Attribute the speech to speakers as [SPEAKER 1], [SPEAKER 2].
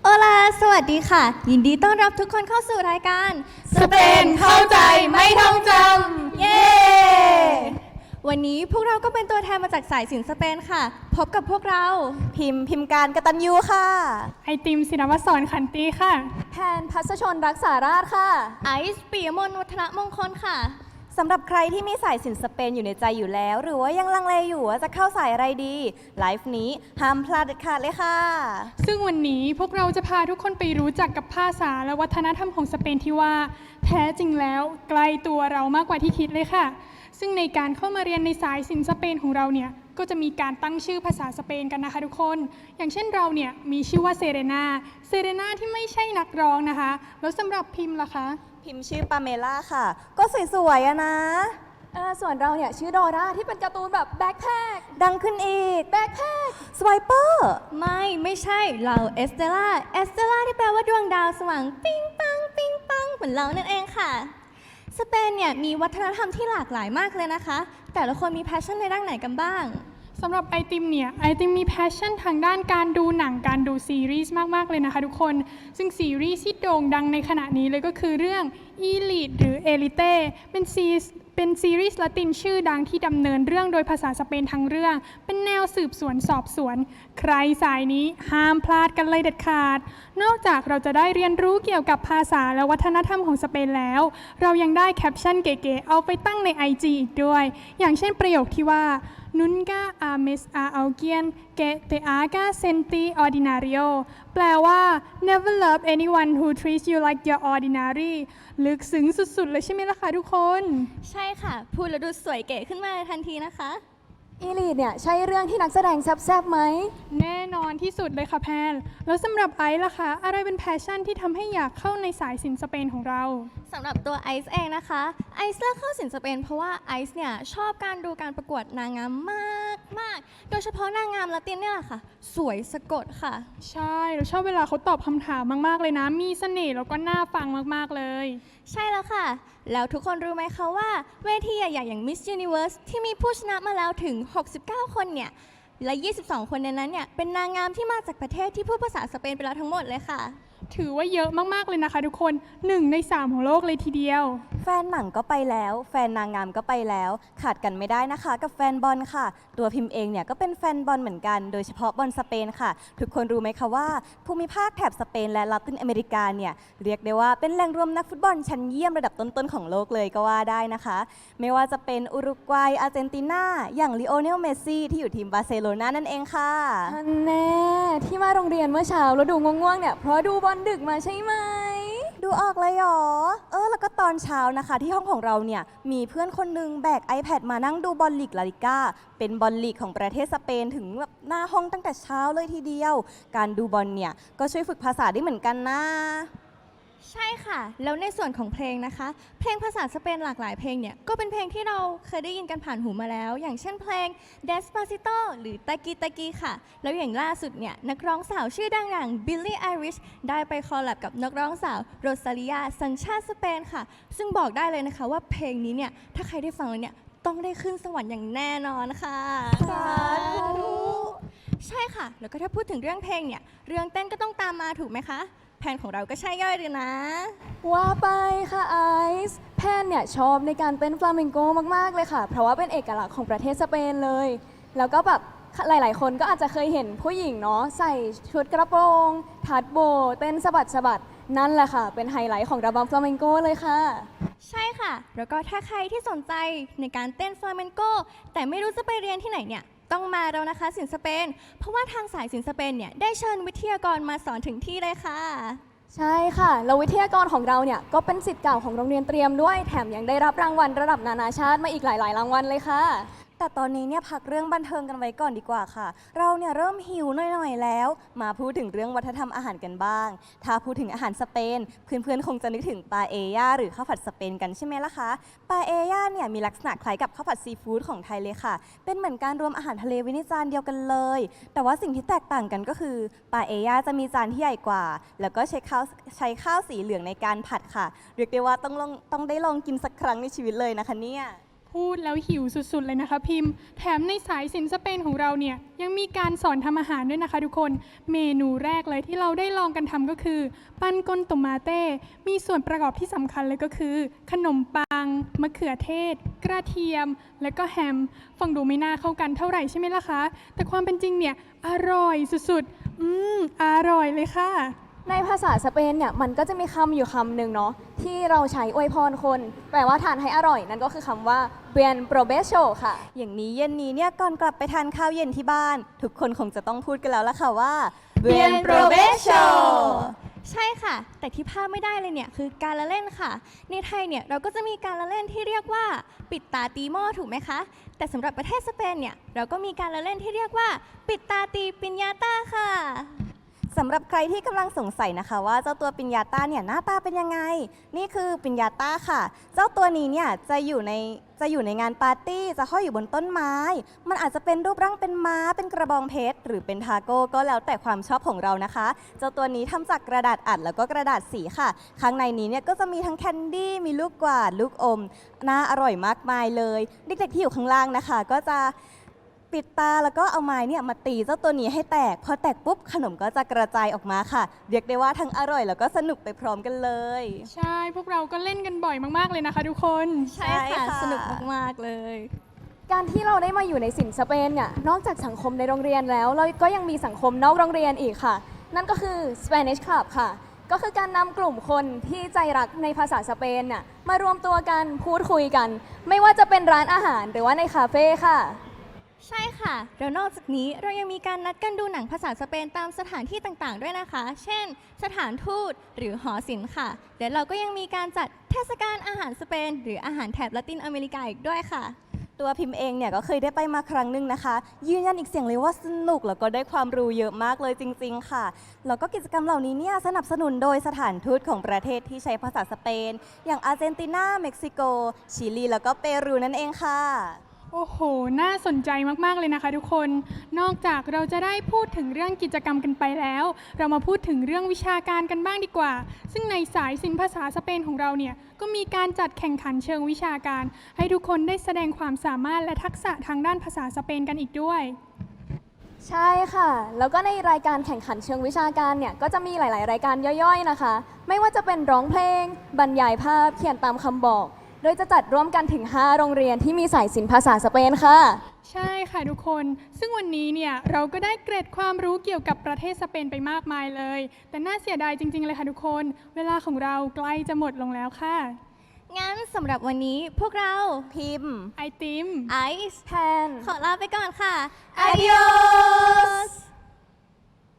[SPEAKER 1] โอลาสวัสดีค่ะ ยินดีต้อนรับทุกคนเข้าสู่รายการ
[SPEAKER 2] สเปนเข้าใจไม่ท่องจำ
[SPEAKER 1] เย้ วันนี้พวกเราก็เป็นตัวแทนมาจากสายศิลป์สเปนค่ะ พบกับพวกเรา
[SPEAKER 3] พิมพ์การกตัญญูค่ะ
[SPEAKER 2] ไอติมศิลปศรขันตีค่ะ
[SPEAKER 3] แพนพัสชนรักษาราชค่ะ
[SPEAKER 1] ไอซ์ปิยมนวัฒนมงคลค่ะ
[SPEAKER 3] สำหรับใครที่มีสายศิลป์สเปนอยู่ในใจอยู่แล้ว หรือว่ายังลังเลอยู่ว่าจะเข้าสายอะไรดีไลฟ์นี้ห้ามพลาดเด็ดขาดเลยค่ะ
[SPEAKER 2] ซึ่งวันนี้พวกเราจะพาทุกคนไปรู้จักกับภาษาและวัฒนธรรมของสเปนที่ว่าแท้จริงแล้วไกลตัวเรามากกว่าที่คิดเลยค่ะ ซึ่งในการเข้ามาเรียนในสายศิลป์สเปนของเราเนี่ยก็จะมีการตั้งชื่อภาษาสเปนกันนะคะทุกคน อย่างเช่นเราเนี่ยมีชื่อว่าเซเรนาที่ไม่ใช่นักร้องนะคะแล้วสำหรับพิมพ์ล่ะคะ
[SPEAKER 3] พิมพ์ชื่อปาเมล่าค่ะ ก็สวยๆอะนะส่วนเราเนี่ยชื่อดอร่าที่เป็นการ์ตูนแบบแบ็คแพคดังขึ้นอีกแบ็คแพคสไวเปอร์
[SPEAKER 1] ไม่ใช่เราเอสเตล่าที่แปลว่าดวงดาวสว่างปิ๊งปังปิ๊งปังเหมือนเรานั่นเองค่ะสเปนเนี่ยมีวัฒนธรรมที่หลากหลายมากเลยนะคะแต่ละคนมีแพชชั่นในด้านไหนกันบ้าง
[SPEAKER 2] สำหรับไอติมเนี่ยไอติมมีแพชชั่นทางด้านการดูหนังการดูซีรีส์มากๆเลยนะคะทุกคนซึ่งซีรีส์ที่โด่งดังในขณะนี้เลยก็คือเรื่อง Elite หรือ Elite เป็นซีรีส์ละตินชื่อดังที่ดำเนินเรื่องโดยภาษาสเปนทั้งเรื่องเป็นแนวสืบสวนสอบสวนใครสายนี้ห้ามพลาดกันเลยเด็ดขาดนอกจากเราจะได้เรียนรู้เกี่ยวกับภาษาและวัฒนธรรมของสเปนแล้วเรายังได้แคปชั่นเก๋ๆเอาไปตั้งใน IG อีกด้วยอย่างเช่นประโยคที่ว่าNunca ames a alguien que te haga sentir ordinario แปลว่า never love anyone who treats you like you're ordinary ลึกซึ้งสุดๆเลยใช่ไหมล่ะคะทุกคน
[SPEAKER 1] ใช่ค่ะพูดแล้วดูสวยเก๋ขึ้นมาทันทีนะคะ
[SPEAKER 3] อีลีดเนี่ยใช่เรื่องที่นักแสดงแซบๆไหม
[SPEAKER 2] แน่นอนที่สุดเลยค่ะแพนแล้วสำหรับไอซ์ล่ะคะอะไรเป็นแพชชั่นที่ทำให้อยากเข้าในสายศิลป์สเปนของเรา
[SPEAKER 1] สำหรับตัวไอซ์เองนะคะไอซ์เลือกเข้าศิลป์สเปนเพราะว่าไอซ์เนี่ยชอบการดูการประกวดนางงามมากโดยเฉพาะนางงามละตินเนี่ยแหละค่ะสวยสะกดค่ะ
[SPEAKER 2] ใช่เราชอบเวลาเขาตอบคำถามมากๆเลยนะมีเสน่ห์แล้วก็น่าฟังมากๆเลย
[SPEAKER 1] ใช่แล้วค่ะแล้วทุกคนรู้ไหมคะว่าเวทีใหญ่ๆอย่าง Miss Universe ที่มีผู้ชนะมาแล้วถึง69คนเนี่ยและ22คนในนั้นเนี่ยเป็นนางงามที่มาจากประเทศที่พูดภาษาสเปนไปแล้วทั้งหมดเลยค่ะ
[SPEAKER 2] ถือว่าเยอะมากๆเลยนะคะทุกคน1 ใน 3ของโลกเลยทีเดียว
[SPEAKER 3] แฟนหนังก็ไปแล้วแฟนนางงามก็ไปแล้วขาดกันไม่ได้นะคะกับแฟนบอลค่ะตัวพิมพ์เองเนี่ยก็เป็นแฟนบอลเหมือนกันโดยเฉพาะบอลสเปนค่ะทุกคนรู้ไหมคะว่าภูมิภาคแถบสเปนและลาตินอเมริกาเนี่ยเรียกได้ว่าเป็นแหล่งรวมนักฟุตบอลชั้นเยี่ยมระดับต้นๆของโลกเลยก็ว่าได้นะคะไม่ว่าจะเป็นอุรุกวัยอาร์เจนตินาอย่างลิโอเนลเมสซี่ที่อยู่ทีมบาร์เซโลนานั่นเองค่ะ
[SPEAKER 4] แน่ที่มาโรงเรียนเมื่อเช้าแล้วดูง่วงๆเนี่ยเพราะดูบอลดึกมาใช่ไหม
[SPEAKER 3] ดูออกเลยหรอแล้วก็ตอนเช้านะคะที่ห้องของเราเนี่ยมีเพื่อนคนนึงแบก iPad มานั่งดูบอลลีกลาลิก้าเป็นบอลลีกของประเทศสเปนถึงแบบหน้าห้องตั้งแต่เช้าเลยทีเดียวการดูบอลเนี่ยก็ช่วยฝึกภาษาได้เหมือนกันนะ
[SPEAKER 1] ใช่ค่ะแล้วในส่วนของเพลงนะคะเพลงภาษาสเปนหลากหลายเพลงเนี่ยก็เป็นเพลงที่เราเคยได้ยินกันผ่านหูมาแล้วอย่างเช่นเพลง Despacito หรือ Taki Taki ค่ะแล้วอย่างล่าสุดเนี่ยนักร้องสาวชื่อดังอย่าง Billie Eilish ได้ไปคอลแลบกับนักร้องสาวโรซาลิอาสัญชาติสเปนค่ะซึ่งบอกได้เลยนะคะว่าเพลงนี้เนี่ยถ้าใครได้ฟังแล้วเนี่ยต้องได้ขึ้นสวรรค์อย่างแน่นอนค่ะ
[SPEAKER 3] สาธุ
[SPEAKER 1] ใช่ค่ะแล้วก็ถ้าพูดถึงเรื่องเพลงเนี่ยเรื่องเต้นก็ต้องตามมาถูกไหมคะแผนของเราก็ใช่ย่อยเลยนะ
[SPEAKER 4] ว่าไปค่ะไอซ์แพนเนี่ยชอบในการเต้นฟลาเมงโกมากๆเลยค่ะเพราะว่าเป็นเอกลักษณ์ของประเทศสเปนเลยแล้วก็แบบหลายๆคนก็อาจจะเคยเห็นผู้หญิงเนาะใส่ชุดกระโปรงทัดโบเต้นสะบัดนั่นแหละค่ะเป็นไฮไลท์ของระบำฟลาเมงโกเลยค่ะ
[SPEAKER 1] ใช่ค่ะแล้วก็ถ้าใครที่สนใจในการเต้นฟลาเมนโกแต่ไม่รู้จะไปเรียนที่ไหนเนี่ยต้องมาเรานะคะศิลป์สเปนเพราะว่าทางสายศิลป์สเปนเนี่ยได้เชิญวิทยากรมาสอนถึงที่เลยค่ะ
[SPEAKER 4] ใช่ค่ะแล้ววิทยากรของเราเนี่ยก็เป็นศิษย์เก่าของโรงเรียนเตรียมด้วยแถมยังได้รับรางวัลระดับนานาชาติมาอีกหลายๆรางวัลเลยค่ะ
[SPEAKER 3] แต่ตอนนี้เนี่ยพักเรื่องบันเทิงกันไว้ก่อนดีกว่าค่ะเราเนี่ยเริ่มหิวหน่อยๆแล้วมาพูดถึงเรื่องวัฒนธรรมอาหารกันบ้างถ้าพูดถึงอาหารสเปนเพื่อนๆคงจะนึกถึงปาเอญ่าหรือข้าวผัดสเปนกันใช่ไหมล่ะคะปาเอญ่าเนี่ยมีลักษณะคล้ายกับข้าวผัดซีฟู้ดของไทยเลยค่ะเป็นเหมือนการรวมอาหารทะเลไว้ในจานเดียวกันเลยแต่ว่าสิ่งที่แตกต่างกันก็คือปาเอญ่าจะมีจานที่ใหญ่กว่าแล้วก็ใช้ข้าวสีเหลืองในการผัดค่ะเรียกได้ว่าต้องได้ลองกินสักครั้งในชีวิตเลยนะคะเนี่ย
[SPEAKER 2] โหพูดแล้วหิวสุดๆเลยนะคะพิมพ์ แถมในสายศิลป์สเปนของเราเนี่ยยังมีการสอนทำอาหารด้วยนะคะทุกคน เมนูแรกเลยที่เราได้ลองกันทำก็คือปั้นก้นโตมาเต้ มีส่วนประกอบที่สำคัญเลยก็คือ ขนมปัง มะเขือเทศ กระเทียม และก็แฮม ฟังดูไม่น่าเข้ากันเท่าไหร่ใช่ไหมล่ะคะ แต่ความเป็นจริงเนี่ยอร่อยสุดๆ อร่อยเลยค่ะ
[SPEAKER 4] ในภาษาสเปนเนี่ยมันก็จะมีคำอยู่คำหนึ่งเนาะที่เราใช้อวยพรคนแปลว่าทานให้อร่อย นั่นก็คือคำว่า buen provecho ค่ะ
[SPEAKER 3] อย่างนี้เย็นนี้เนี่ยก่อนกลับไปทานข้าวเย็นที่บ้าน ทุกคนคงจะต้องพูดกันแล้วล่ะค่ะว่า
[SPEAKER 1] Buen provecho ใช่ค่ะ แต่ที่พลาดไม่ได้เลยเนี่ยคือการละเล่นค่ะ ในไทยเนี่ยเราก็จะมีการละเล่นที่เรียกว่าปิดตาตีหม้อถูกไหมคะ แต่สำหรับประเทศสเปนเนี่ยเราก็มีการละเล่นที่เรียกว่าปิดตาตีปิญญาต้าค่ะ
[SPEAKER 3] สำหรับใครที่กำลังสงสัยนะคะว่าเจ้าตัวปิญญาต้าเนี่ยหน้าตาเป็นยังไง นี่คือปิญญาต้าค่ะ เจ้าตัวนี้เนี่ยจะอยู่ในงานปาร์ตี้จะห้อยอยู่บนต้นไม้ มันอาจจะเป็นรูปร่างเป็นม้าเป็นกระบองเพชรหรือเป็นทาโก้ก็แล้วแต่ความชอบของเรานะคะ เจ้าตัวนี้ทำจากกระดาษอัดแล้วก็กระดาษสีค่ะ ข้างในนี้เนี่ยก็จะมีทั้งแคนดี้มีลูกกวาดลูกอมน่าอร่อยมากมายเลยเด็กๆที่อยู่ข้างล่างนะคะ ก็จะปิดตาแล้วก็เอาไม้เนี่ยมาตีเจ้าตัวนี้ให้แตกพอแตกปุ๊บขนมก็จะกระจายออกมาค่ะเรียกได้ว่าทั้งอร่อยแล้วก็สนุกไปพร้อมกันเลย
[SPEAKER 2] ใช่ พวกเราก็เล่นกันบ่อยมากๆเลยนะคะทุกคน
[SPEAKER 1] ใช่ค่ะ
[SPEAKER 3] ใช่ค่ะ
[SPEAKER 1] สนุกมากๆเลย
[SPEAKER 4] การที่เราได้มาอยู่ในศิลป์สเปนเนี่ยนอกจากสังคมในโรงเรียนแล้วเราก็ยังมีสังคมนอกโรงเรียนอีกค่ะ นั่นก็คือ Spanish Club ค่ะ ก็คือการนำกลุ่มคนที่ใจรักในภาษาสเปนน่ะมารวมตัวกันพูดคุยกัน ไม่ว่าจะเป็นร้านอาหารหรือว่าในคาเฟ่ค่ะ
[SPEAKER 1] ใช่ค่ะ แล้วนอกจากนี้เรายังมีการนัดกันดูหนังภาษาสเปนตามสถานที่ต่างๆ ด้วยนะคะ เช่น สถานทูตหรือหอศิลป์ค่ะ และเราก็ยังมีการจัดเทศกาลอาหารสเปน หรืออาหารแถบละตินอเมริกาอีกด้วยค่ะ
[SPEAKER 3] ตัวพิมพ์เองเนี่ยก็เคยได้ไปมาครั้งหนึ่งนะคะ ยืนยันอีกเสียงเลยว่าสนุกแล้วก็ได้ความรู้เยอะมากเลยจริงๆค่ะแล้วก็กิจกรรมเหล่านี้เนี่ยสนับสนุนโดยสถานทูตของประเทศที่ใช้ภาษาสเปน อย่างอาร์เจนตินาเม็กซิโก ชิลีแล้วก็เปรูนั่นเองค่ะ
[SPEAKER 2] โอ้โห น่าสนใจมากๆเลยนะคะทุกคน นอกจากเราจะได้พูดถึงเรื่องกิจกรรมกันไปแล้ว เรามาพูดถึงเรื่องวิชาการกันบ้างดีกว่า ซึ่งในสายศิลป์ภาษาสเปนของเราเนี่ย ก็มีการจัดแข่งขันเชิงวิชาการ ให้ทุกคนได้แสดงความสามารถและทักษะทางด้านภาษาสเปนกันอีกด้วย
[SPEAKER 4] ใช่ค่ะ แล้วก็ในรายการแข่งขันเชิงวิชาการเนี่ยก็จะมีหลาย ๆ รายการย่อย ๆ นะคะ ไม่ว่าจะเป็นร้องเพลง บรรยายภาพ เขียนตามคำบอก โดยจะจัดร่วมกันถึง 5 โรงเรียนที่มีสายศิลป์ภาษาสเปนค่ะ
[SPEAKER 2] ใช่ค่ะทุกคน ซึ่งวันนี้เนี่ยเราก็ได้เกร็ดความรู้เกี่ยวกับประเทศสเปนไปมากมายเลย แต่น่าเสียดายจริง ๆ เลยค่ะทุกคน เวลาของเราใกล้จะหมดลงแล้วค่ะ
[SPEAKER 1] งั้นสำหรับวันนี้พวกเรา
[SPEAKER 3] พิมพ์
[SPEAKER 2] ไอติม
[SPEAKER 1] ไอซ์
[SPEAKER 4] แทน
[SPEAKER 1] ขอลาไปก่อนค่ะ Adios